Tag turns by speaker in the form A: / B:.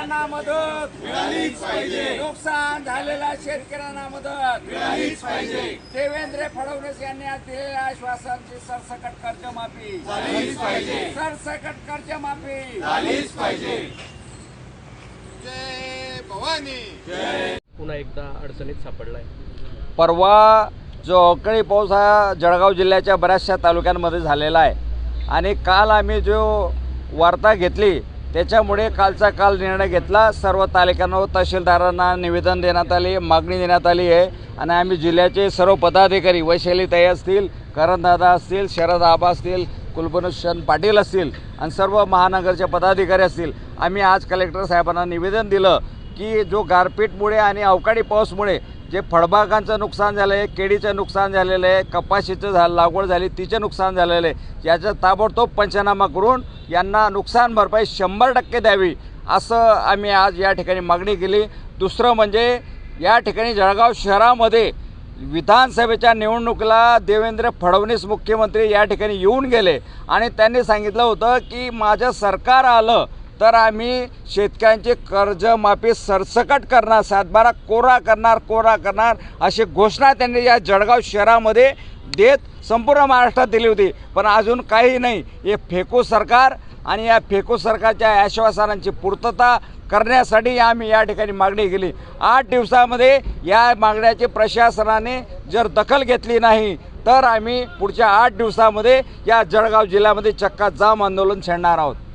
A: शेतकऱ्यांना मदत मिळालीच पाहिजे, नुकसान झालेल्या शेतकऱ्यांना मदत मिळालीच पाहिजे। देवेंद्र फडणवीस यांनी आज दिलेल्या आश्वासनाची सरसकट कर्जमाफी झालीच पाहिजे, सरसकट कर्जमाफी झालीच पाहिजे।
B: जय भवानी।
C: पुन्हा एकदा अडचणीत सापडलाय।
D: परवा जो अवकाळी पाऊस हा जळगाव जिल्ह्याच्या बऱ्याचशा तालुक्यांमध्ये झालेला आहे आणि काल आम्ही जो वार्ता घेतली त्याच्यामुळे कालचा काल निर्णय घेतला। सर्व तालुक्यांना व तहसीलदारांना निवेदन देण्यात आले, मागणी देण्यात आली आहे आणि आम्ही जिल्ह्याचे सर्व पदाधिकारी वैशालीताई असतील, करणदादा असतील, शरद आबा असतील, कुलभूषण पाटील असतील आणि सर्व महानगरचे पदाधिकारी असतील, आम्ही आज कलेक्टर साहेबांना निवेदन दिलं की जो गारपीटमुळे आणि अवकाळी पाऊसमुळे जे फळबागांचं नुकसान झालं आहे, केळीचं नुकसान झालेलं आहे, कपाशीचं लागवड झाली तिचं नुकसान झालेलं आहे, याचा ताबडतोब पंचनामा करून यांना नुकसान भरपाई 100% द्यावी असं आम्ही आज या ठिकाणी मागणी केली। दुसरं म्हणजे या ठिकाणी जळगाव शहरामध्ये विधानसभेच्या निवडणुकीला देवेंद्र फडणवीस मुख्यमंत्री या ठिकाणी येऊन गेले आणि त्यांनी सांगितलं होतं की माझं सरकार आलं तर आम्ही शेतकऱ्यांची कर्जमाफी सरसकट करणार, 7/12 कोरा करणार अशी घोषणा त्यांनी या जळगाव शहरामध्ये देत संपूर्ण महाराष्ट्रात दिली होती। पण अजून काही नाही। हे फेकू सरकार आणि या फेकू सरकारच्या आश्वासनांची पूर्तता करण्यासाठी आम्ही या ठिकाणी मागणी केली। 8 दिवसामध्ये या मागण्याची प्रशासनाने जर दखल घेतली नाही तर आम्ही पुढच्या 8 दिवसामध्ये या जळगाव जिल्ह्यामध्ये चक्का जाम आंदोलन छेडणार आहोत।